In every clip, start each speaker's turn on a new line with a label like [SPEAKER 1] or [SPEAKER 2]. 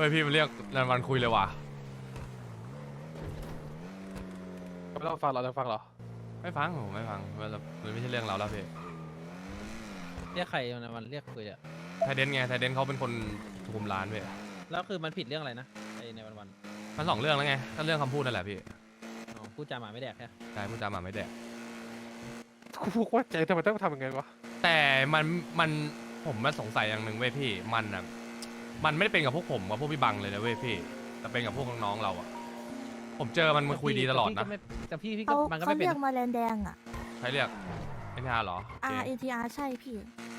[SPEAKER 1] ฮ้ยพี่มันเรียกนันวันคุยเลยว่ะ
[SPEAKER 2] ไม่ต้องฟังเราจะฟังเหรอ
[SPEAKER 1] ไม่ฟังผมไม่ฟังมันไม่ใช่เรื่องเราแล้วพี่
[SPEAKER 3] เรียกใครมันเรียกคุยอะ
[SPEAKER 1] ไทเดนไงไทเดนเขาเป็นคนคุมร้านพี่
[SPEAKER 3] แล้วคือมันผิดเรื่องอะไรนะไอในวัน
[SPEAKER 1] มันสองเรื่องแล้วไงก็เรื่องคำพูดนั่นแหละพี่
[SPEAKER 3] อ๋อพูดจาหมาไม่แดกแค่
[SPEAKER 1] ใช่พูดจาหมาไม่แดก
[SPEAKER 2] กูพูดว่าใจทำไมต้องทำยังไงวะ
[SPEAKER 1] แต่มันผมมาสงสัยอย่างหนึ่งเว้ยพี่มันอ่ะมันไม่ได้เป็นกับพวกผมกับพวกพี่บังเลยนะเว้ยพี่แต่เป็นกับพวกน้องๆเราอ่ะผมเจอมันคุยดีตลอดนะ
[SPEAKER 3] แต่พี่ก็
[SPEAKER 4] เขา
[SPEAKER 3] มันก็
[SPEAKER 4] เขา
[SPEAKER 3] ไม่เป็น
[SPEAKER 4] เรียกมาแลนแดงอ่ะ
[SPEAKER 1] ใครเรียกเอ็นทีอาร์เหรอโอเค
[SPEAKER 4] RNTR ใช่พี่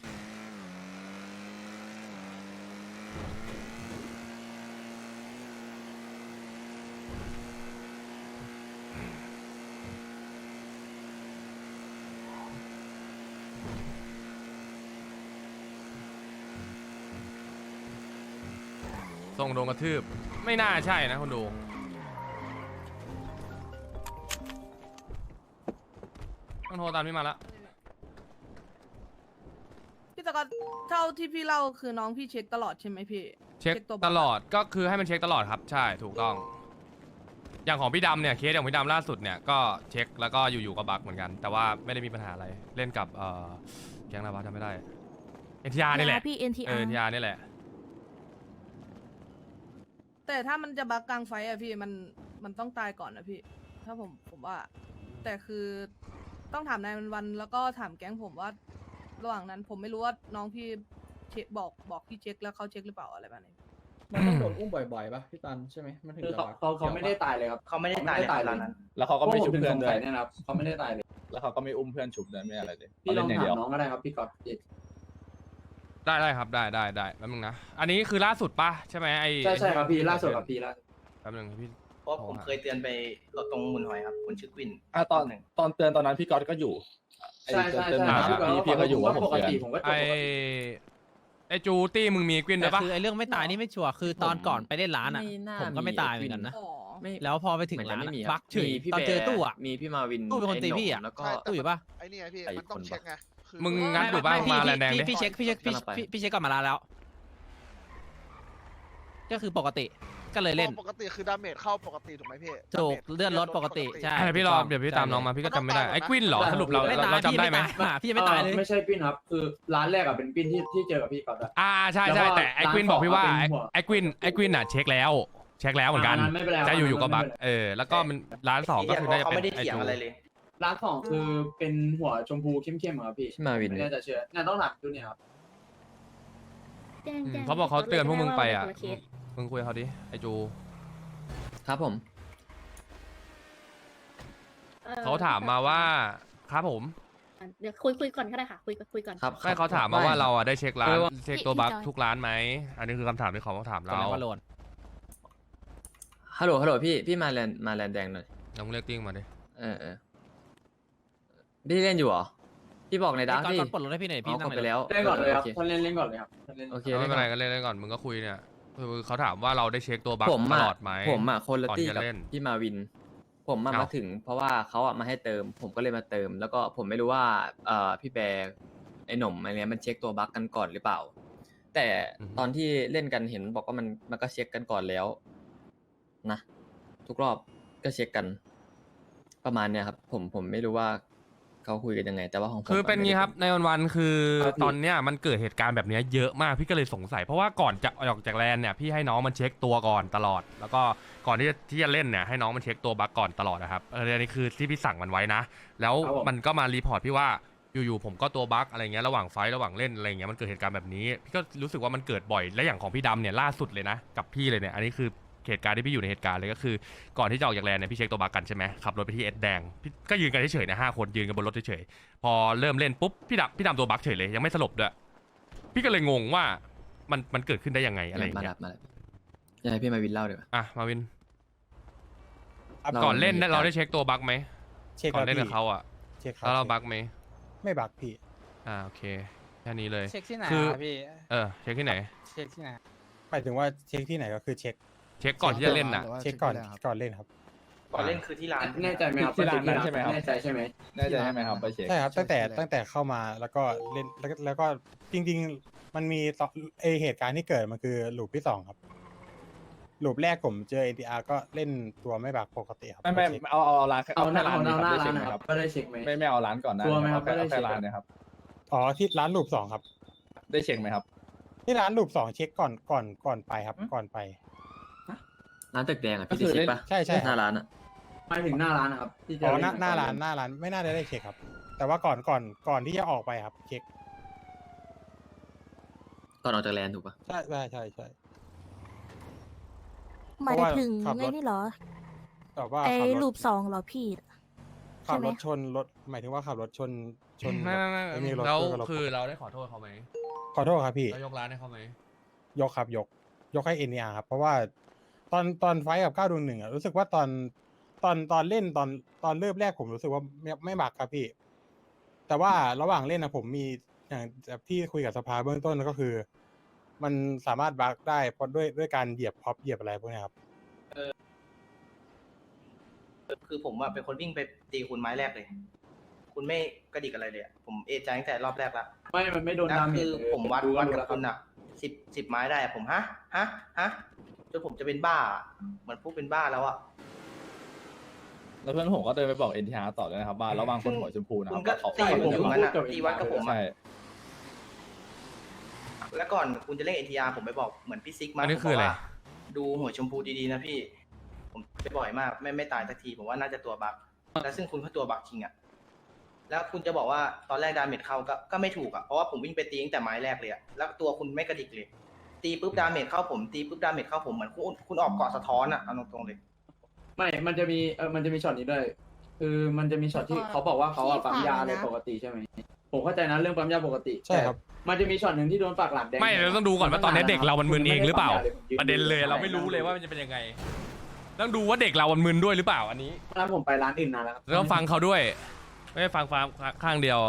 [SPEAKER 1] ส่งโดนกระทืบไม่น่าใช่นะคนดูต้องโทรตามพี่มาละ
[SPEAKER 5] พี่ตะกอนเท่าที่พี่เล่าคือน้องพี่เช็คตลอดใช่ไหมพี่
[SPEAKER 1] เช็ค
[SPEAKER 5] ตัว
[SPEAKER 1] ตลอดก็คือให้มันเช็คตลอดครับใช่ถูกต้องอย่างของพี่ดำเนี่ยเคสอย่างพี่ดำล่าสุดเนี่ยก็เช็คแล้วก็อยู่ๆก็บั๊กเหมือนกัน แต่ว่าไม่ได้มีปัญหาอะไรเล่นกับแก๊งอะไรวะจำไม่ได้เอ็นทีอาร์นี่แหละ
[SPEAKER 4] พี่
[SPEAKER 1] เอ็
[SPEAKER 4] NTR
[SPEAKER 1] นทีอาร์นี่แหละ
[SPEAKER 5] แต่ถ้ามันจะบักกลางไฟอะพี่มันต้องตายก่อนนะพี่ ถ้าผมว่า แต่คือต้องถามนายวันแล้วก็ถามแก๊งผมว่า ระหว่างนั้นผมไม่รู้ว่าน้องพี่เช็คบอกพี่เช็คแล้วเขาเช็คหรือเปล่าอะไรแบบนี้
[SPEAKER 6] มันต้องโดนอุ้มบ่อยๆป่ะพี่ตันใช่ไหมมันถึง
[SPEAKER 7] คือ
[SPEAKER 6] จะ
[SPEAKER 7] เขาไม่ได้ตายเลยครับ
[SPEAKER 8] เขาไม่ได้ตายเลย
[SPEAKER 7] ตาย
[SPEAKER 8] ต
[SPEAKER 7] เล
[SPEAKER 8] อย นนั้น
[SPEAKER 7] แล้วเขาก็ไม่ชุบเพื่อนด้วย
[SPEAKER 6] เนี่ยนะครับเขาไม่ได้ตายเลย
[SPEAKER 7] แล้วเขาก็ไม่อุ้มเพื่อนชุบด้วยไม่อะไรเลย
[SPEAKER 6] พี่ลอง
[SPEAKER 7] เล่นอย่าง
[SPEAKER 6] ถา
[SPEAKER 7] เดียว
[SPEAKER 6] มน้องก็ได้ครับพี่ก๊อต
[SPEAKER 1] ได้ครับได้แป๊บนึงนะอันนี้คือล่าสุดปะใช่ไหมไอ
[SPEAKER 6] ใช่ครับพี่ล่าสุดครับพี่ล่าสุด
[SPEAKER 1] แป๊บนึงพี่
[SPEAKER 8] เพราะผมเคยเตือนไปตรงมุนหอยครับคนชื่อกวิน
[SPEAKER 7] ตอนเตือนตอนนั้นพี่ก๊อตก็อยู่
[SPEAKER 6] ใช่
[SPEAKER 7] เตือนมา พี่ก็อยู่ว่าผม
[SPEAKER 6] ปก
[SPEAKER 7] เตือน
[SPEAKER 6] ติผมก็จบ
[SPEAKER 1] ไอจูตี้มึงมีกวิน
[SPEAKER 3] แต่
[SPEAKER 1] ด้วยปะ
[SPEAKER 3] คือไอเรื่องไม่ตายนี่ไม่ชัวร์คือตอนก่อนไปเล่นร้านอะผมก็ไม่ตายเหมือนกันนะ
[SPEAKER 5] อ๋อ
[SPEAKER 3] แล้วพอไปถึงร้าน
[SPEAKER 9] ไม่มี
[SPEAKER 3] บักเฉยตอนเจอตู้อะ
[SPEAKER 9] มีพี่มาวิน
[SPEAKER 3] ตู้เป็นคนตีพี่อะ
[SPEAKER 9] แล้วก็
[SPEAKER 3] ตู้อยู่ปะ
[SPEAKER 10] ไอ้นี่ไงพี่
[SPEAKER 9] ไอ้
[SPEAKER 10] มันต้อง
[SPEAKER 9] คน
[SPEAKER 10] เช็คไงคือ
[SPEAKER 1] มึงงั้นดูบ้างมาแลนแดงดิ
[SPEAKER 3] พี่เช็คก่อนมาร้านแล้ว ก็คือปกติก็เลยเล่น
[SPEAKER 10] ปกติคือดาเมจเข้าปกติถูกไหมพี่
[SPEAKER 3] ถูกเลื่อนรถปกติใช่
[SPEAKER 1] เดี๋ยวพี่รอเดี๋ยวพี่ตามน้องมาพี่ก็จำไม่ได้ไอ้กวินเหรอสรุปเรา
[SPEAKER 3] ไม่ตาย
[SPEAKER 1] เราจำได้ไหม
[SPEAKER 3] พี่ยังไม่ตายเลย
[SPEAKER 6] ไม่ใช่ปิ้นครับคือร้านแรกอะเป็นปิ้นที่เจอกับพี่ก๊อตอะ
[SPEAKER 1] ใช่
[SPEAKER 6] แล้วก็
[SPEAKER 1] แต่ไอ้กวินบอกพี่ว่า
[SPEAKER 6] ร้านสอง
[SPEAKER 1] ไอ้กวินอ่ะเช็คแล้วเหมือนกัน
[SPEAKER 6] อันนั้นไม่เป็นไรครับ
[SPEAKER 1] จะอยู่ๆก็บั๊ก
[SPEAKER 6] อันนั้นไม่เป็นไร
[SPEAKER 1] แล้วก็มันร้านสองก็คือน่าจะ
[SPEAKER 8] เขา
[SPEAKER 1] เป็น
[SPEAKER 8] ไม่ได้
[SPEAKER 1] ไอ้
[SPEAKER 8] เถียง
[SPEAKER 1] จู
[SPEAKER 8] อะไรเลย
[SPEAKER 6] ร้านสองคือเป็นหัวชมพูเข้มๆอะครับพี่
[SPEAKER 9] พี่มาวิน
[SPEAKER 6] ไม่แน่ใจเชื่อน่าต้องถามดูเนี่ยครับ
[SPEAKER 1] เขาบอกเขาเตือนพวกมึงไปอ่ะมึงคุยกับเขาดิไอ้จู
[SPEAKER 9] ครับผม
[SPEAKER 1] เขาถามมาว่าครับผม
[SPEAKER 4] เดี๋ยวคุยก่อนก็ได้ค่ะ คุยก่อน
[SPEAKER 9] ครับ
[SPEAKER 1] ไม่เขาถามมาว่าเราอ่ะได้เช็คร้าน
[SPEAKER 9] เออว่า
[SPEAKER 1] เช็คตัวบั๊กทุกร้านไหมอันนี้คือคำถามที่เขาถาม
[SPEAKER 3] ก่อน
[SPEAKER 1] เรา
[SPEAKER 3] แล้วว่าโลน
[SPEAKER 9] ฮัลโหลพี่มาแลนแดงหน่อย
[SPEAKER 1] ลองเรียกติ้งมาดิ
[SPEAKER 9] พี่เล่นอยู่เหรอพี่บอกในดัก
[SPEAKER 3] ก่อน
[SPEAKER 9] ดิ
[SPEAKER 3] ปลดรถให้พี่หน่อยพี่นั่ง
[SPEAKER 9] ไป
[SPEAKER 3] ในรถ
[SPEAKER 9] แล้ว
[SPEAKER 6] เล่นก่อนเลยครับ
[SPEAKER 9] โอ
[SPEAKER 6] ท่านเล่นก่อนเลยครับท่านเล่น
[SPEAKER 9] โอเค
[SPEAKER 1] ไม่เป็นไรก็เล่นก่อนมึงก็คุยเนี่ยคือเขาถามว่าเราได้เช็คตัวบั๊ก
[SPEAKER 9] ผม
[SPEAKER 1] ต
[SPEAKER 9] อะ
[SPEAKER 1] ลอดไหม
[SPEAKER 9] ผมอะคนละ
[SPEAKER 1] ก่อน
[SPEAKER 9] ตี้
[SPEAKER 1] จะ
[SPEAKER 9] กับ
[SPEAKER 1] เล่น
[SPEAKER 9] พี่มาวิน ผมอะ
[SPEAKER 1] เอ้าม
[SPEAKER 9] มาถึง เพราะว่าเขาอะมาให้เติม ผมก็เลยมาเติม แล้วก็ผมไม่รู้ว่าพี่แบร์ไอ้หนุ่มอะไรเนี้ยมันเช็คตัวบั๊กกันก่อนหรือเปล่า แต่ตอนที่เล่นกันเห็นบอกว่ามันก็เช็คกันก่อนแล้วนะทุกรอบก็เช็คกัน ประมาณเนี้ยครับ ผมไม่รู้ว่าเขาคุยกันยังไง แต่ว่าของผม
[SPEAKER 1] คือเป็นงี้ครับ
[SPEAKER 9] ไม่ได้
[SPEAKER 1] ในวันๆคือ
[SPEAKER 6] ครับพี่
[SPEAKER 1] ตอนเนี้ยมันเกิดเหตุการณ์แบบเนี้ยเยอะมากพี่ก็เลยสงสัยเพราะว่าก่อนจะออกจากแลนด์เนี่ยพี่ให้น้องมันเช็คตัวก่อนตลอด แล้วก็ก่อนที่จะเล่นเนี่ยให้น้องมันเช็คตัวบั๊กก่อนตลอดนะครับอันนี้คือที่พี่สั่งมันไว้นะ แล้วมันก็มารีพอร์ตพี่ว่าอยู่ๆผมก็ตัวบั๊กอะไรเงี้ยระหว่างไฟท์ระหว่างเล่นอะไรเงี้ยมันเกิดเหตุการณ์แบบนี้พี่ก็รู้สึกว่ามันเกิดบ่อยและอย่างของพี่ดำเนี่ยล่าสุดเลยนะกับพี่เลยเนี่ยอันนี้คือเหตุการณ์ที่พี่อยู่ในเหตุการณ์เลยก็คือก่อนที่จะออกจากแลนด์เนี่ยพี่เช็คตัวบั๊กกันใช่ไหมขับรถไปที่เอสแดงพี่ก็ยืนกันเฉยๆนะ5 คนยืนกันบนรถเฉยๆพอเริ่มเล่นปุ๊บพี่ดำตัวบั๊กเฉยเลยยังไม่สลบด้วยพี่ก็เลยงงว่ามันเกิดขึ้นได้ยังไงอะไรอย่าง
[SPEAKER 9] มา
[SPEAKER 1] เงี้
[SPEAKER 9] ดั
[SPEAKER 1] ย
[SPEAKER 9] บอยากให้พี่มาวินเล่าดีกว่า
[SPEAKER 1] อ่ะมาวิน
[SPEAKER 9] เรา
[SPEAKER 1] ก่อนเล่น
[SPEAKER 9] มีเหตุการณ์
[SPEAKER 1] เราได้เช็คตัวบั๊กไหม
[SPEAKER 2] เช็ค
[SPEAKER 1] ก่อนเล่นกับเขาอ่ะ
[SPEAKER 2] เช็คครั
[SPEAKER 1] แล้วเราบั๊กไหม
[SPEAKER 2] ไม่บักพี่
[SPEAKER 1] โอเคแค่นี้เลย
[SPEAKER 3] เช็คที่ไหน
[SPEAKER 1] คือ
[SPEAKER 3] พี่
[SPEAKER 1] เช็คที่ไหน
[SPEAKER 3] เช็คที่ไหน
[SPEAKER 2] หมายถึงว่าเช็คที่ไหนก็คือเช็ค
[SPEAKER 1] เช็คก่อนที่จะเล่นน่ะ
[SPEAKER 2] เช็คก่อนเล่นครับ
[SPEAKER 8] ก่อนเล่นคือที่ร้าน
[SPEAKER 6] แน่ใจไหมครับ
[SPEAKER 7] ที่ร้านนั้นใช่ไหมครับ
[SPEAKER 6] แน่ใจใช่ไหม
[SPEAKER 7] แน่ใจใช่ไหมครับไปเช็ค
[SPEAKER 2] ใช่ครับตั้งแต่เข้ามาแล้วก็เล่นแล้วก็จริงๆมันมีเหตุการณ์ที่เกิดมันคือลูปที่ 2ครับลูปแรกผมเจอ NTR ก็เล่นตัวไม่บักปกติครับ
[SPEAKER 7] ไม่
[SPEAKER 2] เช็ค
[SPEAKER 7] เอาร้าน
[SPEAKER 6] เอาหน้า
[SPEAKER 7] แค่ร้านนี้
[SPEAKER 6] เอาหน้า
[SPEAKER 7] ได้เช็ค
[SPEAKER 6] ร้าน
[SPEAKER 7] ไหม
[SPEAKER 6] นะ
[SPEAKER 7] ค
[SPEAKER 6] ค
[SPEAKER 7] รั
[SPEAKER 6] รับ บก็ได้เช็คไหม
[SPEAKER 7] ไม่เอาร้านก่อนหน้า
[SPEAKER 6] ตัวไหมครับ
[SPEAKER 7] เอา
[SPEAKER 6] ได้เช็
[SPEAKER 7] แค่
[SPEAKER 6] ค
[SPEAKER 7] ร้านเนี่ยครับ
[SPEAKER 2] อ๋อที่ร้านลูป2ครับ
[SPEAKER 7] ได้เช็คไหมครับ
[SPEAKER 2] ที่ร้านลูป2เช็คก่อนไปครับก่อนไป
[SPEAKER 9] ร้านตึกแดงอ่ะ
[SPEAKER 7] ก็
[SPEAKER 9] พี่
[SPEAKER 7] คือ
[SPEAKER 9] ได้เช็คปะ
[SPEAKER 2] ใช่ใช่
[SPEAKER 9] หน้าร้านอ่ะ
[SPEAKER 6] หมายถึงหน้าร้านนะครับที่จะ
[SPEAKER 2] อ๋อ
[SPEAKER 6] เล่
[SPEAKER 2] หน้าร้านไม่น่าได้เช็คครับ แต่ว่าก่อนที่จะออกไปครับเช็ค
[SPEAKER 9] ก่อนออกจากแลนด์ถูกปะ
[SPEAKER 2] ใช่
[SPEAKER 4] หมายถึง
[SPEAKER 2] ขับรถ
[SPEAKER 4] ไงนี่เหรอ
[SPEAKER 2] แบบว่า
[SPEAKER 4] ไอ้
[SPEAKER 2] ขับร
[SPEAKER 4] ลู
[SPEAKER 2] ถ
[SPEAKER 4] ป2เหรอพี่
[SPEAKER 2] ขับรถ
[SPEAKER 4] ใช่ไหม
[SPEAKER 2] ชนรถหมายถึงว่าขับรถชน
[SPEAKER 1] ไม่
[SPEAKER 2] แบบอ้นี่รถ
[SPEAKER 1] แล้ว
[SPEAKER 2] ก็รถ
[SPEAKER 1] คือเราได้ขอโทษเขาไหม
[SPEAKER 2] ขอโทษครับพี่
[SPEAKER 1] เรายกร้านให้เขาไหม
[SPEAKER 2] ยกครับยกให้ NTR ครับ เพราะว่าตอนไฟท์กับ9-1อ่ะรู้สึกว่าตอนเล่นตอนเริ่มแรกผมรู้สึกว่าไม่บักครับพี่ แต่ว่าระหว่างเล่นนะผมมีอย่างที่คุยกับสภาเบื้องต้นก็คือ มันสามารถบักได้เพราะด้วยการเหยียบพ็อปเหยียบอะไรพวกเนี้ยครับ
[SPEAKER 8] คือผมอะเป็นคนวิ่งไปตีคุณไม้แรกเลย คุณไม่กระดิกอะไรเลยอะผมเอะใจตั้งแต่รอบแรกละ
[SPEAKER 6] มันไม่โดน
[SPEAKER 8] แล้ว
[SPEAKER 6] ดาเมจ
[SPEAKER 8] คือ
[SPEAKER 6] เลย
[SPEAKER 8] ผมวัด
[SPEAKER 6] ดู
[SPEAKER 8] กับ
[SPEAKER 6] แล้ว
[SPEAKER 8] คุณอะ10ไม้ได้อะผมฮะจนผมจะเป็นบ้าอะเหมือนพวกเป็นบ้าแล้วอะ
[SPEAKER 7] แล้วเพื่อนผมก็เดินไปบอก NTR ต่อเลยนะครับว่าระวังคนหัวชมพูนะค
[SPEAKER 8] คุ
[SPEAKER 7] รับ
[SPEAKER 8] ณก็
[SPEAKER 7] ว่าเขา
[SPEAKER 8] ตีผมอยู่งั้นอะ
[SPEAKER 6] ผม
[SPEAKER 8] ตีวัดกับผมอะ
[SPEAKER 7] ใช่
[SPEAKER 8] แล้วก่อนคุณจะเล่น NTR ผมไปบอกเหมือนพี่ซิกมา
[SPEAKER 1] อันนี้คืออะไร
[SPEAKER 8] ผมบกว่าดูหัวชมพูดีๆนะพี่ ผมไปบ่อยมากไม่ตายสักทีผมว่าน่าจะตัวบั๊กแล้วซึ่งคุณก็ตัวบั๊กจริงอะแล้วคุณจะบอกว่าตอนแรกดาเมจเข้าก็ไม่ถูกอะเพราะว่าผมวิ่งไปตีตั้งแต่ไม้แรกเลยอะแล้วตัวคุณไม่กระดิกเลย ตีปุ๊บดาเมจเข้าผมตีปุ๊บดาเมจเข้าผมเหมือนคุณออกเกาะสะท้อนอะเอาตรงๆเลย
[SPEAKER 6] ไม่มันจะมีช็อตนี้ด้วย คือมันจะมีช็อตที่เขาบอกว่าเขาอะปั๊มยาอะไรปกติใช่ไหมผมเข้าใจนะเรื่องปั๊มยาปกติ
[SPEAKER 2] ใช่ครับ
[SPEAKER 6] แต่มันจะมีช็อตหนึ่งที่โดนปากหลักแดง
[SPEAKER 1] ไม่เราต้องดูก่อนว่าตอนนี้เด็กเรามันมึนเองหรือเปล่า
[SPEAKER 6] ผม
[SPEAKER 1] ประเด็นเลยเราไม่รู้เลยว่ามันจะเป็นยังไง ต้องดูว่าเด็กเรามันมึนด้วยหรือเปล่าอันนี้
[SPEAKER 6] ร้านผมไปร้านอื่นนานแล้วครับ
[SPEAKER 1] เราต้องฟังเขาด้วย ไม่ได้ฟังข้างเดียว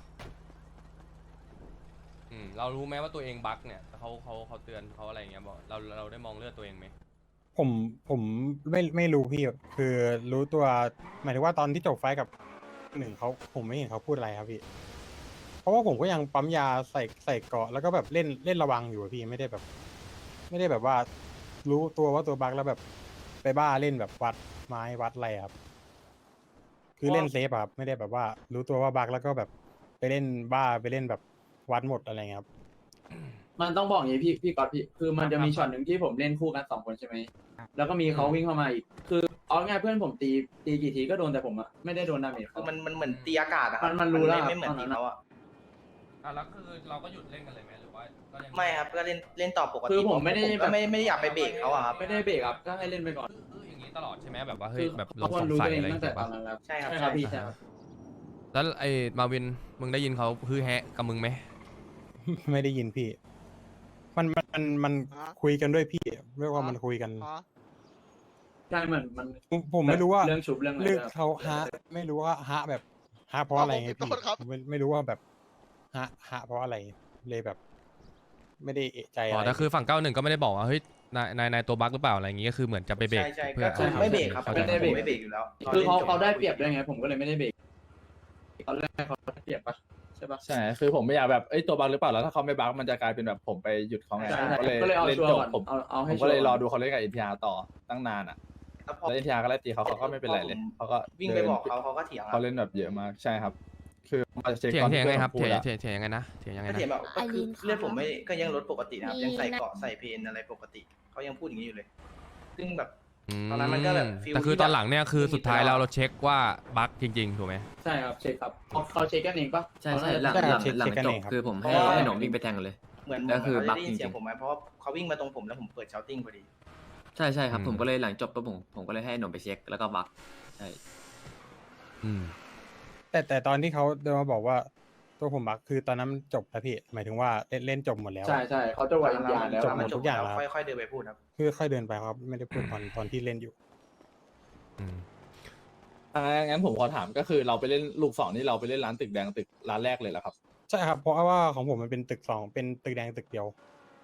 [SPEAKER 1] เรารู้ไหมว่าตัวเองบั๊กเนี่ยเขาเตือนเขาอะไรอย่างเงี้ยบอกเราได้มองเลือดตัวเองไหม
[SPEAKER 2] ผมไม่รู้พี่คือรู้ตัวหมายถึงว่าตอนที่จบไฟท์กับ1เขาผมไม่เห็นเขาพูดอะไรครับพี่ เพราะว่าผมก็ยังปั๊มยาใส่เกราะแล้วก็แบบเล่นระวังอยู่อะพี่ไม่ได้แบบว่ารู้ตัวว่าตัวบักแล้วแบบไปบ้าเล่นแบบวัดไม้วัดอะไรครับ คือเล่นเซฟอะครับไม่ได้แบบว่า รู้ตัวว่าบักแล้วก็แบบไปเล่นบ้าไปเล่นแบบวัดหมดอะไรเงี้ยครับ
[SPEAKER 6] มันต้องบอกอย่างนี้พี่ก๊อตพี่คือมันจะมีช็อตหนึ่งที่ผมเล่นคู่กัน2 คนใช่ไหมแล้วก็มีเขาวิ่งเข้ามาอีกคือเอาง่ายเพื่อนผมตีกี่ทีก็โดนแต่ผมอะไม่ได้โดนดาเมจ
[SPEAKER 8] คือมันเหมือนตีอากาศอะครับ
[SPEAKER 6] มันรู้แล้ว
[SPEAKER 8] ไม่เหมือนตีเขาอะ
[SPEAKER 1] แล้วคือเราก็หยุดเล่นกันเลยไหมหรือว่าก็ยัง
[SPEAKER 8] ไม่ครับก็เล่นต่อปกติ
[SPEAKER 6] คือผมไม่ได้
[SPEAKER 8] ก็ไม่ได้อยากไปเบรกเขาอะครับ
[SPEAKER 6] ไม่ได้เบรกครับก็ให้เล่นไปก่อน
[SPEAKER 1] อย่างนี้ตลอดใช่ไหมแบบว่าเฮ้
[SPEAKER 6] คื
[SPEAKER 1] ย
[SPEAKER 6] อ
[SPEAKER 1] แบบเรา
[SPEAKER 6] เขาคว
[SPEAKER 1] ส
[SPEAKER 6] รง รู้
[SPEAKER 1] สั
[SPEAKER 6] ตั
[SPEAKER 1] ยว
[SPEAKER 6] เอง
[SPEAKER 1] อะไรอ
[SPEAKER 6] ตั้
[SPEAKER 1] ย่าง
[SPEAKER 6] งแต่
[SPEAKER 1] เงี้ย
[SPEAKER 6] ตอ
[SPEAKER 1] ปะ
[SPEAKER 6] นนั้นแล้ว
[SPEAKER 8] ใช่ครับ
[SPEAKER 6] ครับพี่ใช่ครับ
[SPEAKER 1] แล้วไอ้มาวินมึงได้ยินเขาฮือแฮะกับมึงไหม
[SPEAKER 2] ไม่ได้ยินพี่ มันคุยกันด้วยพี่เรียกว่ามันคุยกัน
[SPEAKER 6] ใช่เหมือนมัน
[SPEAKER 2] ผมไม่รู้ว่า
[SPEAKER 6] เรื่องชุบเรื่องอะไร
[SPEAKER 2] เรื่อง
[SPEAKER 6] ด้วย
[SPEAKER 2] เขาฮะไม่รู้ว่าฮะแบบฮะเพราะอะไรไง
[SPEAKER 10] ขอ
[SPEAKER 2] พี่
[SPEAKER 10] โทษครับ
[SPEAKER 2] ผมไม่รู้ว่าแบบฮะเพราะอะไรเลยแบบ ไม่ได้เอะใจ
[SPEAKER 1] อ๋
[SPEAKER 2] อะ
[SPEAKER 1] อ
[SPEAKER 2] ไร
[SPEAKER 1] แต่คือฝั่ง91ก็ไม่ได้บอกว่าเฮ้ยนายตัวบั๊กหรือเปล่าอะไรอย่างงี้ก็คือเหมือนจะไปเบรก
[SPEAKER 8] ใช่
[SPEAKER 1] เพื่อ
[SPEAKER 8] ก็คือไม่เบรกครับ
[SPEAKER 1] ข้าใจ
[SPEAKER 6] ไม่ได้เบรก
[SPEAKER 8] ผมไม่เบรกอยู่แล้ว
[SPEAKER 6] คือเขาได้เปรียบด้วยไงผมก็เลยไม่ได้เบรกตอนแรกเขาได้เปรียบปะใช่ปะ
[SPEAKER 7] ใช่คือผมไม่อยากแบบตัวบักหรือเปล่าแล้วถ้าเขาไม่บักมันจะกลายเป็นแบบผมไปหยุดเขาไง
[SPEAKER 6] ใช่
[SPEAKER 7] ผม
[SPEAKER 6] ก็เลยเอา
[SPEAKER 7] เล่น
[SPEAKER 6] ชัว
[SPEAKER 7] จ
[SPEAKER 6] ร์
[SPEAKER 7] บ
[SPEAKER 6] ก่อน
[SPEAKER 7] ผม
[SPEAKER 6] เอา
[SPEAKER 7] ผ
[SPEAKER 6] ให้
[SPEAKER 7] ม
[SPEAKER 6] ชั
[SPEAKER 7] ก็
[SPEAKER 6] วร์
[SPEAKER 7] เลยรอ
[SPEAKER 6] ก่อน
[SPEAKER 7] ดูเขาเล่นกับ NTR ต่อตั้งนานอ่ะ
[SPEAKER 8] แล้วพอ
[SPEAKER 7] แล้ว NTR ก็ไล่ตีเขาก็ไม่เป็นไรเลยเขาก็
[SPEAKER 8] วิ่งไปบอกเขาก็เถียง
[SPEAKER 7] เขาเล่นแบบเยอะมากใช่ครับ คือมาเช็ค
[SPEAKER 1] เถียง
[SPEAKER 7] ตอน
[SPEAKER 1] เถียง
[SPEAKER 7] ที่
[SPEAKER 1] ไงครับ
[SPEAKER 7] พื่อนผมพู
[SPEAKER 1] เถีย
[SPEAKER 7] ด
[SPEAKER 1] ง
[SPEAKER 7] อะ
[SPEAKER 1] เถียงยังไงนะเถียงยังไง
[SPEAKER 8] ก็
[SPEAKER 1] นะ
[SPEAKER 8] เถียงแบบก็คือ
[SPEAKER 4] ไอรีนครับ
[SPEAKER 8] เลือดผมไม่ก็ยังลดปกตินะครับ
[SPEAKER 4] มี
[SPEAKER 8] ยังใส่
[SPEAKER 4] นะ
[SPEAKER 8] เกราะใส่เพนอะไรปกติเขายังพูดอย่างนี้อยู่เลย ซึ่งแบบ
[SPEAKER 1] อืม
[SPEAKER 8] ตอนนั้นมันก็แบบฟีล
[SPEAKER 1] แต่คือ
[SPEAKER 8] ที่แบบ
[SPEAKER 1] ตอนหลังเนี่ยคือสุดท้าย
[SPEAKER 8] ไม่มี
[SPEAKER 1] เราเช็คว่าบั๊กจริงๆถูกไหม
[SPEAKER 6] ใช่ครับเช็คครับเขาเช็คกันเองปะ
[SPEAKER 9] ใช่หลัง
[SPEAKER 2] ใช่ครับ
[SPEAKER 9] หลัง
[SPEAKER 2] เช็คกัน
[SPEAKER 9] จ
[SPEAKER 2] เอบ งครับ
[SPEAKER 9] คือผมให้
[SPEAKER 8] เพราะว่า
[SPEAKER 9] ให้หนมวิ่งไปแทงเลย
[SPEAKER 8] เหมือน
[SPEAKER 9] ก็คือ
[SPEAKER 8] เขา
[SPEAKER 9] บั๊
[SPEAKER 8] ได้
[SPEAKER 9] ก
[SPEAKER 8] ยินเสียง
[SPEAKER 9] จริงๆ
[SPEAKER 8] ผมไหมเพราะว่าเขาวิ่งมาตรงผมแล้วผมเปิดเชาติ้งพอดี
[SPEAKER 9] ใช่ครับผมก็เลยหลังจบปุ๊บผมก็เลยให้หนมไปเช็คแล้วก็บักใช่
[SPEAKER 1] อืม
[SPEAKER 2] แต่ตอนที่เขาเดินมาบอกว่าตัวผมบักคือตอนนั้นมันจบแล้วพี่หมายถึงว่าเล่นจบหมดแล้ว
[SPEAKER 6] ใช่ใช่เขาจะไหวอยางแล้ว
[SPEAKER 2] จบหมดทุกอย่างแล้ว
[SPEAKER 8] ค่อยๆเดินไปพูดครับ
[SPEAKER 2] คือค่อยเดินไปครับไม่ได้พูดตอนที่เล่นอยู่
[SPEAKER 1] อืม
[SPEAKER 7] งั้นผมขอถามก็คือเราไปเล่นลูก2นี่เราไปเล่นร้านตึกแดงตึกร้านแรกเลยเหรอครับ
[SPEAKER 2] ใช่ครับเพราะว่าของผมมันเป็นตึก2เป็นตึกแดงตึกเดียว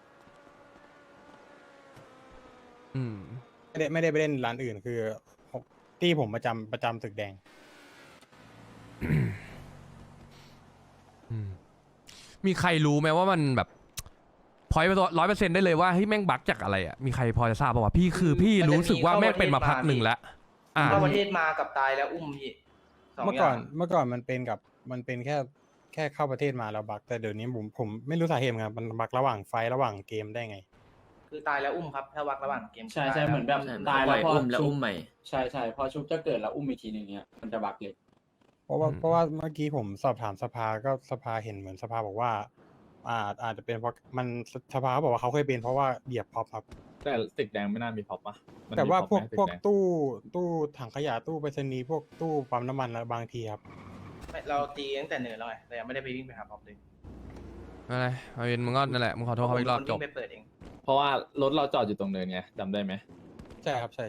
[SPEAKER 1] อืม
[SPEAKER 2] ไม่ได้ไปเล่นร้านอื่นคือที่ผมประจำตึกแดง
[SPEAKER 1] อืมมีใครรู้ไหมว่ามันแบบพอยต์100%ได้เลยว่าเฮ้ยแม่งบั๊กจากอะไรอ่ะมีใครพอจะทราบป่าวะพี่คือพี่รู้สึกว่าแม่งเป็นมาพักหนึ่งแล้ว
[SPEAKER 8] เข้าประเทศมากับตายแล้วอุ้มพี่สอง
[SPEAKER 2] เมื่อ
[SPEAKER 8] อ
[SPEAKER 2] ก่
[SPEAKER 8] ย่า
[SPEAKER 2] อง นมันเป็นแค่เข้าประเทศมาแล้วบักแต่เดี๋ยวนี้ผมไม่รู้สาเหตุเหมือนกันมันบักระหว่างไฟท์ระหว่างเกมได้ไง
[SPEAKER 8] คือตายแล้วอุ้มครับถ้าวักระหว่างเกม
[SPEAKER 6] ใช่
[SPEAKER 8] ตาย
[SPEAKER 6] ใช่
[SPEAKER 8] แล้ว
[SPEAKER 6] เหมือนแบบ
[SPEAKER 9] ใช่
[SPEAKER 6] ตายแล้วพอ
[SPEAKER 9] อุ้มแล้ว
[SPEAKER 6] ชุบ
[SPEAKER 9] อุ้มใหม่
[SPEAKER 6] ใช่ใช่พอชุบจะเกิดแล้วอุ้มอีกทีหนึงเนี้ยมันจะบักเลย
[SPEAKER 2] เพราะว่าเมื่อกี้ผมสอบถามสภาก็สภาเห็นเหมือนสภาบอกว่าอาจจะเป็นเพราะมันสภาเขาบอกว่าเขาเคยเป็นเพราะว่าเหยียบพ็อปครับ
[SPEAKER 7] แต่ตึกแดงไม่น่ามีพ็อปปะมัน
[SPEAKER 2] แต่
[SPEAKER 7] มี
[SPEAKER 2] ว่า
[SPEAKER 7] พ็อป
[SPEAKER 2] พวก
[SPEAKER 7] ไหมตึแดง
[SPEAKER 2] ตู้ถังขยะตู้ไปรษณีย์พวกตู้ปั๊มน้ำมันบางทีครับ
[SPEAKER 8] ไม่เราตีตั้งแต่เนินแล้วไงแต่ยังไม่ได้ไปวิ่งไปหาพร้อมเลย
[SPEAKER 1] อะไรมาวินมึงก็นั่นแหละมึงขอโทษเขาอีกรอบ
[SPEAKER 8] ผม
[SPEAKER 1] จ
[SPEAKER 8] วิ่
[SPEAKER 1] บ
[SPEAKER 8] งไปเปิดเอง
[SPEAKER 7] เพราะว่ารถเราจอดอยู่ตรงเนินไงจำได้ไหม
[SPEAKER 2] ใช่ครับใช่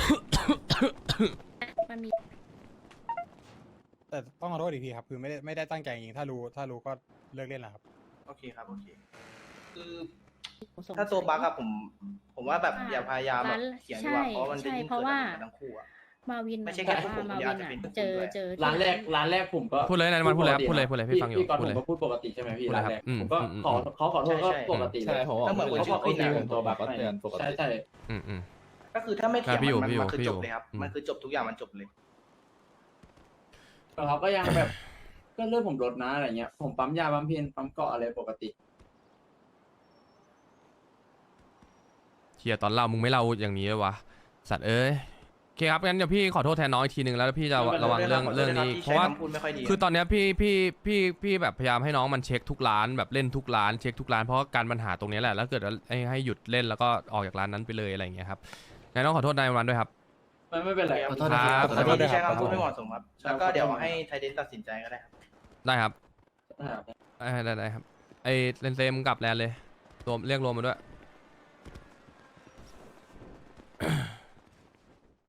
[SPEAKER 4] มันมี
[SPEAKER 2] แต่ต้องขอโทษอีกทีครับคือไม่ได้ตั้งใจจริงๆถ้ารู้ก็เลิกเล่นแล้วครับ
[SPEAKER 8] โอเคครับโอเคคือถ้าตัวบั๊กอะผมว่าแบบอย่าพยายามแบบเขียนดีกว่าเพราะมันจะยิ่ง
[SPEAKER 4] เพ
[SPEAKER 8] เกิด
[SPEAKER 4] ราะว่า
[SPEAKER 8] กันทั้งคู่อะ
[SPEAKER 4] มาวิน
[SPEAKER 8] ไม่ใช่แค่พวกผม
[SPEAKER 4] มา
[SPEAKER 8] คนเดี
[SPEAKER 4] วิ
[SPEAKER 8] ยวน อาจจะเป็นพวกคุณ
[SPEAKER 4] เจอ
[SPEAKER 8] ด้วย
[SPEAKER 4] เจอ
[SPEAKER 6] ร้านแรกผมก็
[SPEAKER 1] พูดเลยนะมันพูดเลยครับพูดเลยพี่ฟังอยู่
[SPEAKER 6] พี่ก่อน
[SPEAKER 1] พู
[SPEAKER 6] ผ
[SPEAKER 1] ด
[SPEAKER 6] ม
[SPEAKER 1] เลย
[SPEAKER 6] ก็พูดปกติใช่ไหมพี่
[SPEAKER 1] พูดเลย
[SPEAKER 6] ร้านแรก
[SPEAKER 1] ครับอืม
[SPEAKER 6] ผมก็
[SPEAKER 1] อืม
[SPEAKER 6] ขอโทษก็ปกติเล
[SPEAKER 7] ใช่
[SPEAKER 6] ย
[SPEAKER 7] ผมบอก
[SPEAKER 8] ก็เหมือนคน
[SPEAKER 7] เขา
[SPEAKER 8] ชื่อ
[SPEAKER 7] เขา
[SPEAKER 8] พี่
[SPEAKER 7] ตี
[SPEAKER 8] นะ
[SPEAKER 7] ผมตัวแบบก็เตือนปก
[SPEAKER 6] ใช่
[SPEAKER 7] ติ
[SPEAKER 6] ใช่
[SPEAKER 1] อืม
[SPEAKER 8] ก็คือถ้าไม่เถียง
[SPEAKER 1] พี่อยู่
[SPEAKER 8] มันคือ
[SPEAKER 1] พี่อยู่
[SPEAKER 8] จบเลยครับ
[SPEAKER 1] อืม
[SPEAKER 8] มันคือจบทุกอย่างมันจบเลย
[SPEAKER 6] แต่เขาก็ยังแบบ ก็เลือดผมลดนะอะไรเงี้ย ผมปั๊มยาปั๊มเพนปั๊มเกาะอะไรปกติ
[SPEAKER 1] เชียตอนเล่ามึงไม่เล่าอย่างนี้เลยวะสัตว์เอ้ยโอเคครับงั้นเดี๋ยวพี่ขอโทษแทนน้องอีกทีนึงแล้วพี่จะระวังเรื่องนี้เพราะว่า
[SPEAKER 8] พูดไม่ค่อยดี
[SPEAKER 1] คือตอนเนี้ยพี่แบบพยายามให้น้องมันเช็คทุกร้านแบบเล่นทุกร้านเช็คทุกร้านเพราะการปัญหาตรงนี้แหละแล้วเกิดว่าให้หยุดเล่นแล้วก็ออกจากร้านนั้นไปเลยอะไรอย่างเงี้ยครับงั้นต้องขอโทษนายวันด้วยครับ
[SPEAKER 6] ไม่เป็นไร
[SPEAKER 8] ขอ
[SPEAKER 9] ขอ
[SPEAKER 8] โท
[SPEAKER 9] โท
[SPEAKER 8] ษ
[SPEAKER 9] ษ
[SPEAKER 8] นะ
[SPEAKER 9] นะ
[SPEAKER 8] ค
[SPEAKER 9] ค
[SPEAKER 8] รั
[SPEAKER 9] รั
[SPEAKER 8] บบ ขอโทษที่ใช้คำพูด
[SPEAKER 2] ขอโทษ
[SPEAKER 8] ไม่เหมาะสมครับ แล้วก็เดี๋ยวให้ไทเดนตัดสินใจก็ได้ครับ
[SPEAKER 1] ได้ครับได้ครับไอ้เลนเซมงกลับแลนเลยตัวเรียกรวมมาด้วย